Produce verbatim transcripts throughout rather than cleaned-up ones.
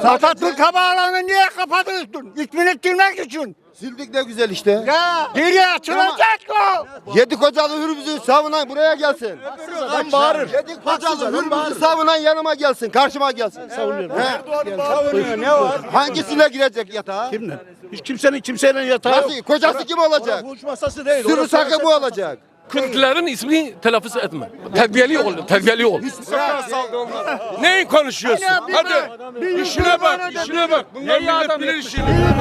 Atatürk Havaalanı'nı niye kapatıyorsun? İsmini silmek için. Sildik ne güzel işte. Ya geriye açılacak o. Yedi kocalı hürmüzü savunan buraya gelsin. Adam bağırır. Yedi kocalı hürmüzü savunan yanıma gelsin, karşıma gelsin. Savunuyorum. He. Savunuyor ne var? Hangisine girecek yatağa? Kimle? Hiç kimsenin kimseyle yatağı yok. Nasıl? Kocası kim olacak? Huç masası değil. Sürü orası sakı siyaset bu masası. olacak. Kürtlerin ismini telaffuz etme. Terbiyeli ol, terbiyeli ol. Neyi konuşuyorsun? Hadi işine bak, işine bak. Bunlar millet bilir işini.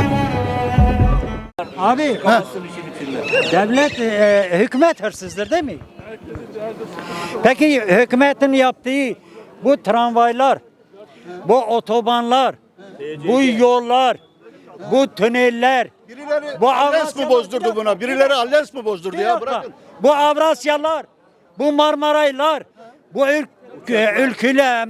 Abi devlet e, hükümet hırsızdır değil mi? Peki hükümetin yaptığı bu tramvaylar, bu otobanlar, bu yollar, bu tüneller, Birileri bu Allens mi bozdurdu buna? Birileri Allens mi bozdurdu ya? Bırakın. bu Avrasyalar, bu Marmaraylar, bu ül ülküler,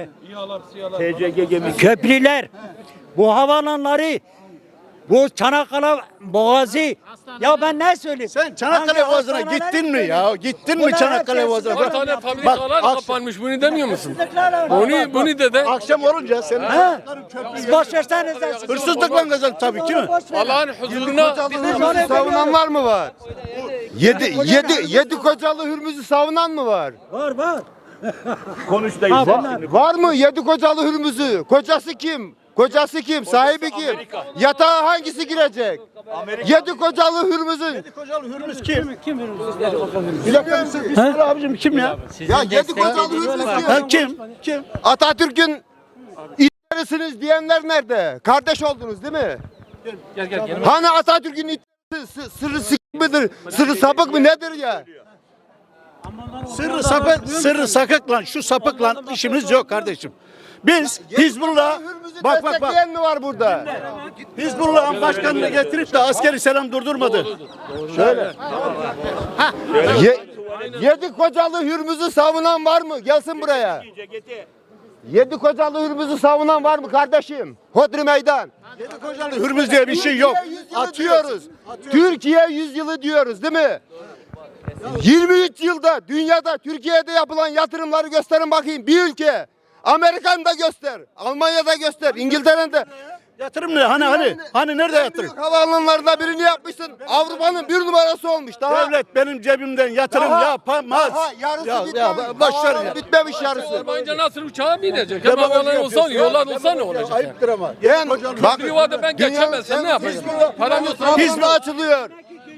köprüler, bu havalanları, bu Çanakkale Boğazı. Ya ben ne söyleyeyim? Sen Çanakkale Hangi Boğazı'na hastaneler gittin mi ya? Gittin mi Bunlar Çanakkale hepsi Boğazı'na? Bir tane fabrikalar akşam- kapanmış, bunu demiyor musun? hırsızlıklar var. Bunu, bunu de de Akşam olunca senin Ha? Siz boş verseniz de. hırsızlıkla kazan tabii ki mi? Allah'ın huzuruna Hürmüzü savunan var mı var? Yedi, yedi, yedi kocalı hürmüzü savunan mı var? Var var. Konuştayız. Var mı yedi kocalı hürmüzü? Kocası kim? Kocası kim? Sahibi kim? Yatağa hangisi girecek? Yedi kocalı hürmüzün. Kocalı Hürmüz kim? Kim Bir dakika bir söyle abicim kim ya? Ya yedi kocalı hürmüz Ha, kim? kim? Kim? Atatürk'ün itlerisiniz diyenler nerede? Kardeş oldunuz değil mi? Gel gel gel. Hani Atatürk'ün itlerisi sı- sırrı sik midir? Sırrı sapık mı nedir ya? Sırrı sapık, sırrı sakıkla şu sapıkla işimiz yok kardeşim. Biz Hizbullah Hürmüzü bak bak bak destekleyen mi var burada? Hizbullah'ın başkanını getirip de askeri selam durdurmadı. Ye- yedi kocalı hürmüzü savunan var mı? Gelsin buraya. Yedi kocalı hürmüzü savunan var mı kardeşim? Hodri meydan. Yedi kocalı Hürmüz diye bir şey yok. Türkiye yüzyılı atıyoruz. Türkiye yüzyılı diyoruz değil mi? yirmi üç yılda dünyada Türkiye'de yapılan yatırımları gösterin bakayım. Bir ülke. Amerika'da göster. Almanya'da göster. İngiltere'de. Yatırım ne? Hani hani? Hani nerede yatırım? Büyük havaalanlarında birini yapmışsın. Avrupa'nın bir numarası olmuş. Daha Devlet benim cebimden yatırım Daha- yapamaz. Daha yarısı Ya, bitmemiş. ya, boş ver Havaalanı ya. bitmemiş yarısı. Yabancı nasıl uçağa binecek? Hem havalar olsa, yollar olsa ne olacak? Ayıptır ama. Ben, bak, Bir yuvada ben geçemezsem ne yapacağım? Param yoksa Hizmet açılıyor.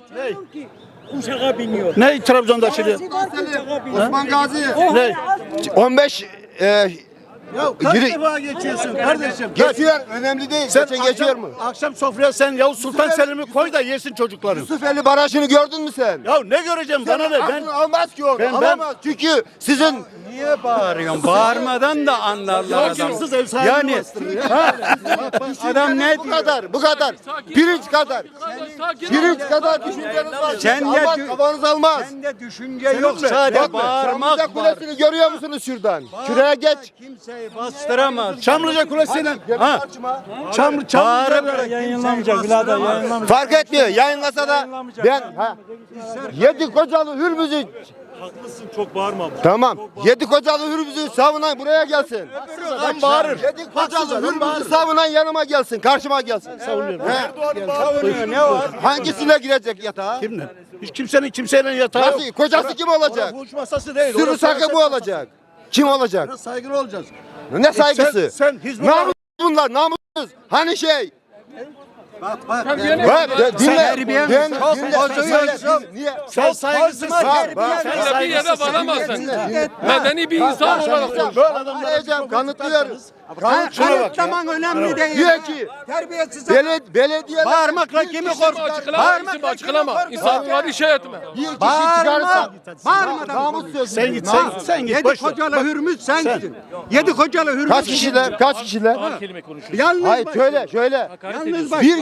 Uçağa biniyor. Ne Trabzon'da açılıyor? Osman Gazi. Ne? on beş e, Ya kaç Yürü- defa geçiyorsun kardeşim? Kaç? geçiyor. Önemli değil. Sen Geçen geçiyor akşam, mu? akşam sofraya sen Yavuz Sultan Yusuf- Selim'i koy da yesin çocukların. Yusufeli Barajı'nı gördün mü sen? Ya ne göreceğim bana ne? Ben Aklını almaz ki onu. ben- Alamaz. Çünkü sizin Niye bağırıyorsun? Bağırmadan da anlarlar adam. Haksız ev sahibi Yani bastırıyor. adam ne bu diyor? kadar, bu kadar. Pirinç kadar. Pirinç kadar düşünceniz var. Sen de Almaz, dü- kafanız almaz. Sende düşünce yok, mi? sadece Bak, bağırmak Çamlıca var. Kulesi'ni görüyor musunuz şuradan? Şuraya geç. Kimseyi bastıramaz. Çamlıca Kulesi'yle ha. Çam Çamlıca Bağırıp Yayınlamayacak birader yayınlamayacak. Fark etmiyor. Yayınlasa da ben ha, yedi kocalı hürmüzü. Haklısın, çok bağırma. Tamam. Yedi kocalı hürmüzü savunan buraya gelsin. adam bağırır. Yedi kocalı hürmüzü savunan yanıma gelsin. Karşıma gelsin. Savunuyorum. Savunuyor. Ne var? Hangisine girecek yatağa? Kimle? Hiç kimsenin kimseyle yatağı yok. Nasıl? Kocası kim olacak? Huç masası değil. Sürü orası sakı siyaset bu masası. olacak. Kim olacak? Biraz saygılı olacağız. Ne saygısı? Sen, sen Hizbullah... Namus bunlar, namussuz. Hani şey? Bak bak. Bak, de- dinle. terbiye mi? Dinle, Çok dinle. bozuyorsun. Söyle, Niye? Sen saygısızsın. Bak, bak. sen de bir yere varamazsın. Medeni bir insan olarak konuş. Böyle adamlar kanıtlıyorum. Şuna bak ya. Kanıtlaman önemli değil. Diyor ki Terbiyesiz. beled belediye Bağırmakla kimi İsim korkutur? açıklama, isim açıklama. İnsanları şey etme. bir kişi Bağırma. çıkarsa Bağırmadan namus konuş. sözü. Sen git sen, sen git Yedi boş ver. kocalı hürmüz sensin. Yedi kocalı hürmüz. Kaç kişiler? Kaç kişiler? Yalnız Hayır bak. şöyle şöyle. Yalnız bak. Bir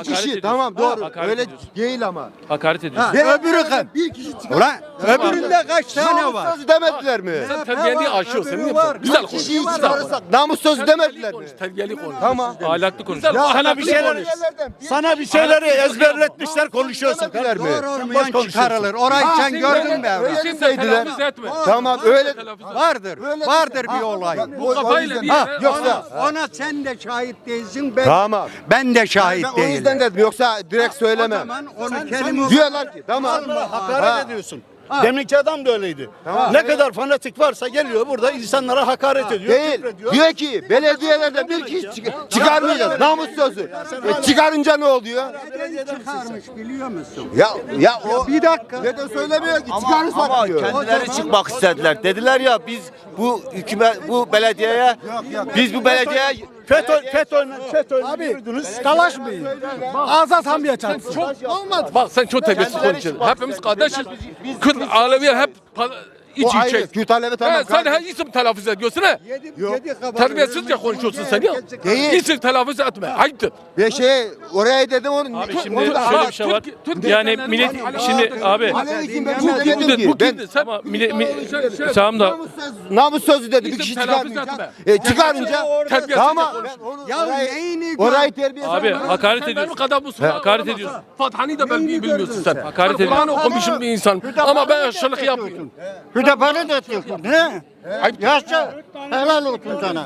kişi ediyorsun. tamam doğru. Hakaret Öyle ediyorsun. değil ama. Hakaret ediyorsun. Ve öbürü kaç? bir kişi çıkar. Ulan öbüründe kaç tane Namus var? sözü demediler mi? Sen terbiyeni aşıyorsun. Niye yapıyorsun? Güzel konuş. Kişiyi Güzel çıkarırsak konuş. namus sözü demediler Terbiyeli mi? konuş. Terbiyeli konuş. Tamam. Ahlaklı konuş. Ya sana bir şeyler konuş. sana bir şeyleri ezberletmişler konuşuyorsun. Demediler mi? Doğru olmayan çıkarılır. Orayı sen gördün mü evlat? öyle Kimse dediler. telaffuz etme. Tamam öyle. Vardır. Vardır bir olay. Bu kafayla bir Ha, yere- yoksa- Ona, ona sen de şahit değilsin. Ben, Tamam. ben de şahit Ben o yüzden değilim. dedim yoksa direkt O söylemem. zaman onu kelime... Diyorlar ki tamam. Hakaret Ha. ediyorsun. Deminki adam da öyleydi. Ne kadar fanatik varsa geliyor burada insanlara hakaret ediyor. Değil. küfrediyor. Diyor ki belediyelerden bir kişi çık- çıkarmayacağız. Namus sözü. E, çıkarınca ne oluyor? çıkarmış biliyor musun? Ya ya o Bir dakika. neden söylemiyor ki çıkarırsak Ama diyor. kendileri çıkmak istediler. Dediler ya biz bu hükümet bu belediyeye biz bu belediyeye FETÖ, FETÖ'yle FETÖ'yle yürüdünüz. Dalaşmayın. Ağza sambiye çarpsın. Çok, bak sen çok terbiyesiz konuşuyorsun. Hepimiz kardeşiz. Kürt Aleviler hep pa- iç O ayrı. içe. Kürt Alevi tamam. He, sen her isim telaffuz ediyorsun ha. Terbiyesizce konuşuyorsun sen ya. Değil. İsim telaffuz etme. Ayıptır. Ve şey oraya dedim onu. Abi şimdi onu da- şöyle bir şey var. Türk- Türk- Yani Türk- millet Türk- şimdi abi Alevi kim ben Bu bunu demedim kimdir? ki. Bu Ben kimdir? Sen ama millet mi, Şöyle- şöyle- tamam da namus sözü dedi bir İsim kişi telaffuz çıkarmayacak. etme. E, çıkarınca Terbiyesizce tamam. konuş. Ben onu- Ya orayı- neyini gör? Orayı terbiye abi hakaret Sen benim ediyorsun. kadar bu sınav Hakaret olamazsın. ediyorsun. Fathani de ben bilmiyorsun sen. Hakaret Ben Kur'an ediyorsun. okumuşum bir insan. Ama ben aşırılık yapmıyorum. Hüdaparı da atıyorsun. Ne? Ayıp. Yaşa. Helal olsun sana.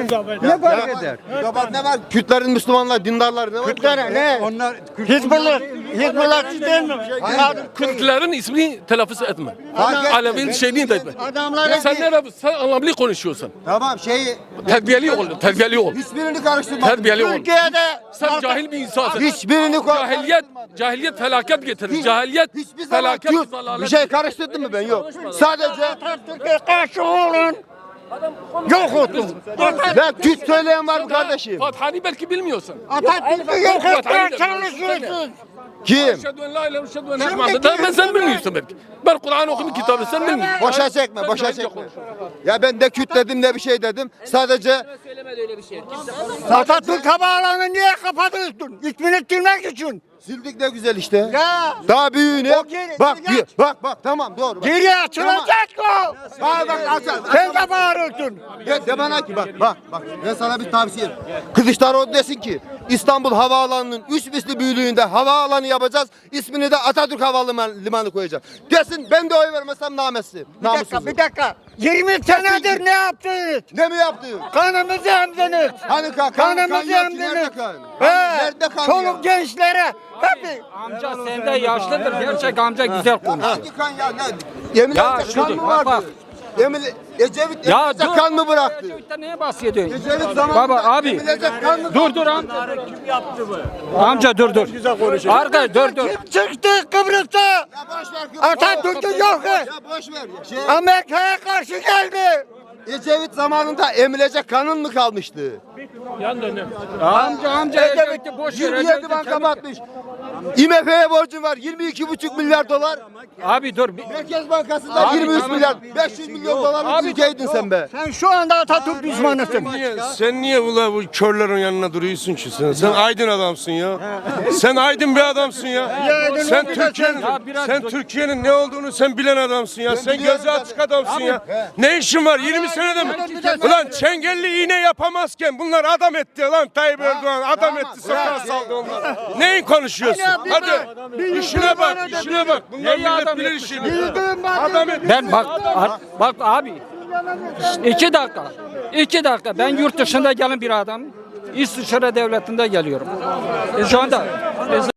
Ne fark eder? Yabat ne var? Kürtlerin, Müslümanlar, dindarlar ne var? Kürtlere ne? Onlar Hizbullah. Hizbullah değil mi? Kürtlerin ismini telaffuz etme. Fark etme. Alevi'nin şeyini de etme. Adamlara Sen ne sen anlamlı konuşuyorsun. Tamam şeyi Terbiyeli ol, terbiyeli ol. hiçbirini karıştırma. Terbiyeli ol. Türkiye'de Sen cahil bir insansın. Hiçbirini ko- Cahiliyet, cahiliyet felaket getirir. Hiç- Cahiliyet Hiçbir zaman felaket Kürt zalalet bir şey getirir. karıştırdın mı ben yok. Sadece Türkiye karşı olun. Yok olsun. ben Kürt söyleyen var mı kardeşim? Fathani belki bilmiyorsun. Atatürk'ü yok etmeye çalışıyorsun. Kim? Eşhedü en la ilahe ve eşhedü enne Muhammeden. Ben sen bilmiyorsun belki. Ben Kur'an okumuş kitabı sen bilmiyorsun. Boşa çekme, boşa çekme. Ya ben de Kürt dedim ne bir şey dedim. Sadece Atatürk havaalanını niye kapatıyorsun? İsmini silmek için. sildik ne güzel işte. Ya. Daha büyüğünü. O geri- Bak, geri- bir- bak, bak, tamam doğru. Bak. Geri açılacak o. Bak, bak, açar. Sen de bağırıyorsun. Ya de bana ki bak, bak, bak. Ben sana bir tavsiye. Kılıçdaroğlu desin ki İstanbul Havaalanı'nın üç misli büyüklüğünde havaalanı yapacağız. İsmini de Atatürk Havalimanı limanı koyacağız. Desin ben de oy vermesem namesi. Bir dakika, bir dakika. yirmi senedir ne yaptınız? Ne mi yaptı? Kanımızı emdiniz. Hani kan, kan, Kanımızı kan yok ki, emdiniz. nerede kan? He. Nerede kan ya? Çoluk gençlere. Hep Amca sende yaşlıdır. Gerçek amca güzel konuş. Hangi kan ya? Ne? Yemin Ya ederim kan şudur, mı bak, vardı? Yemin Ecevit Ya Ecevit'e dur. kan mı bıraktı? Ecevit'ten neye bahsediyorsun? Ecevit zamanında Baba abi. Ecevit'e kan mı Dur dur am. Amca dur dur. Arkadaş dur dur. kim çıktı Kıbrıs'ta? Ya boş ver. kız. Atatürk'ü yok et. Ya boş ver. ya. Şey, Amerika'ya karşı geldi. Ecevit zamanında emilecek kanın mı kalmıştı? yan dönüyor. Amca amca Ecevit'i boş ver. yirmi yedi Ecevit'i banka kemik- batmış. I M F'ye borcun var yirmi iki buçuk milyar dolar. Abi dur. bir- Merkez Bankası'nda Abi, yirmi üç tamam. milyar. beş yüz milyon dolarlık ülkeydin sen be. Sen şu anda Atatürk düşmanısın. Niye, sen niye ula bu körlerin yanına duruyorsun ki sen? Sen aydın adamsın ya. Sen aydın bir adamsın ya. Sen Türkiye'nin Ya biraz sen dur. Türkiye'nin ne olduğunu sen bilen adamsın ya. Sen biliyorum gözü açık adamsın ya. He. Ne işin var yirmi senede mi? Ulan çengelli iğne yapamazken bunlar adam etti lan Tayyip Erdoğan adam etti sokağa saldı onlar. Neyin konuşuyorsun? Hadi işine bak işine bak. Bunlar Neyi millet adam bilir etti? işini. Adam etti. Ben bak a- bak abi. iki dakika. iki dakika. Ben yurt dışında gelen bir adam. İsviçre devletinde geliyorum. Şu anda